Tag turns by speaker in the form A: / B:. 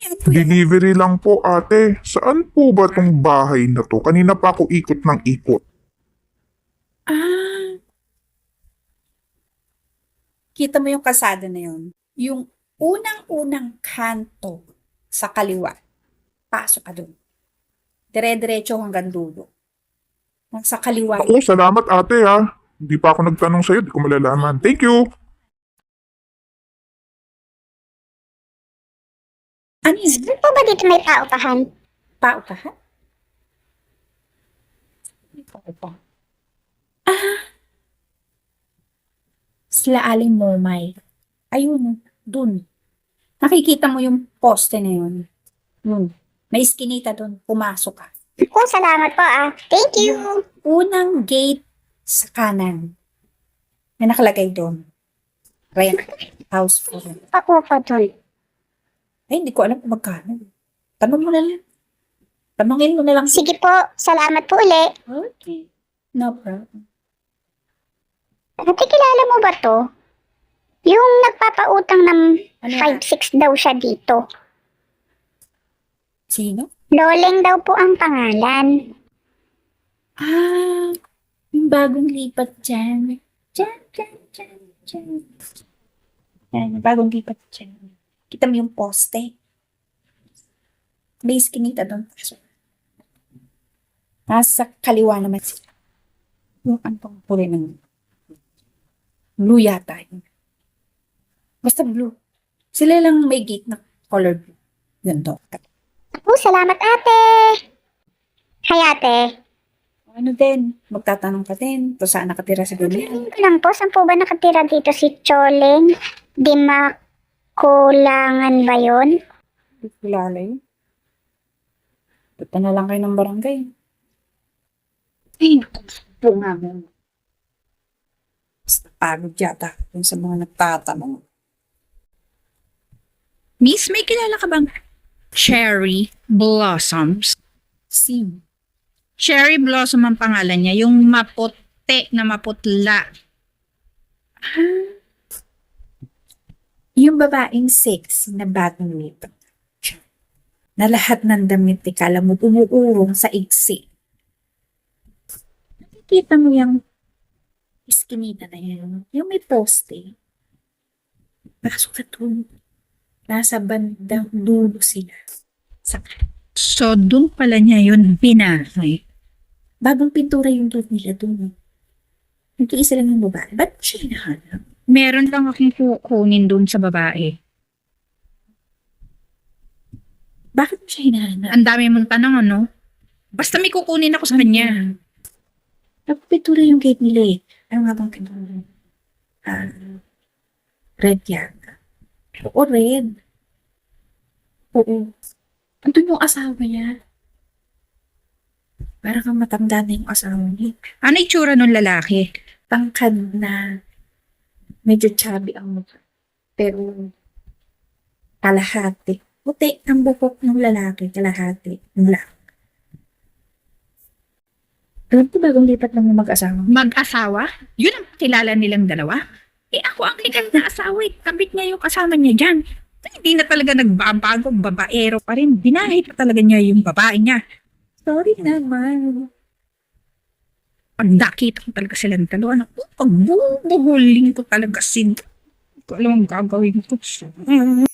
A: Delivery lang po ate. Saan po ba tong bahay na to? Kanina pa ako ikot ng ikot.
B: Ah, kita mo yung kalsada na yun? Yung unang-unang kanto sa kaliwa. Pasok ka dun. Dire-diretso hanggang dulo. Sa kaliwa.
A: Ako, salamat ate ha. Hindi pa ako nagtanong sa'yo, di ko malalaman. Thank you!
B: Ano yun?
C: Saan po ba dito may paupahan?
B: Paupahan? Paupahan. Sila Aling Momay. Ayun, dun. Nakikita mo yung poste na yun. Yun. May iskinita dun. Pumasok ka.
C: Oh, salamat po ah. Thank you.
B: Unang gate sa kanan. May nakalagay doon. Rent. House for rent.
C: Ako po dun.
B: Ay, hindi ko alam kung magkano. Tanong mo na lang. Tanongin mo na lang.
C: Sige po, salamat po uli.
B: Okay. No problem.
C: Ate, kilala mo ba to? Yung nagpapautang ng
B: Ano
C: 5-6 daw siya dito.
B: Sino?
C: Loleng daw po ang pangalan.
B: Ah, yung bagong lipat dyan. Dyan. Yan, yung bagong lipat dyan. Kita mo yung poste. May iskinita doon. Nasa kaliwa naman sila. Yung antong puli ng blue yata yun. Basta blue. Sila lang may gate na color blue. Yun to.
C: Oh, salamat ate. Hi ate.
B: Ano din? Magtatanong ka din. Kung saan nakatira sa gabi.
C: Tingin ko lang po, saan po ba nakatira dito si Choleng? Di makulangan ba yun?
B: Hindi ko kilala yun. Punta na lang kayo ng barangay. Ay, po nga mo. Basta pagod yata dun sa mga nagtatanong.
D: Miss, may kilala ka bang Cherry Blossoms?
B: Sim.
D: Cherry Blossom ang pangalan niya, yung maputi na maputla.
B: Yung babaeng sexy na bagong lipat. Na lahat ng damit ni kala mo umuurong sa iksi. Nakikita mo yung iskinita na yun. Yung may poste. Pasok ka doon. Nasa bandang dulo sila. Sa
D: So, doon pala niya yun binahay.
B: bagong pintura yung gate nila doon. Nag-iisa lang yung babae. Ba't mo siya hinahanap?
D: Meron lang akong kukunin doon sa babae.
B: Bakit mo siya hinahanap?
D: Ang dami mong tanong, ano? Basta may kukunin ako sa kanya.
B: Nagpintura yung gate nila eh. Ano nga bang pintura? Red yata. Oo, red. Oo. Andun yung asawa niya. Parang kang matanda na yung asawa niya.
D: Ano itsura nung lalaki?
B: Tangkad na medyo chubby ang mukha. Pero kalahati. Puti ang bukok ng lalaki, kalahati. Black. Alam ko bagong lipat lang yung mag-asawa.
D: Mag-asawa? Yun ang kilala nilang dalawa? Eh ako ang legal na asawa eh. Kabit niya yung kasama niya dyan. Hindi na talaga nagbabago, babaero pa rin. Binahay pa talaga niya yung babae niya.
B: Sorry naman.
D: Pag nakita ko talaga silang dalawa, pag bubuhuling ko talaga sin. Hindi ko alam ang gagawin ko.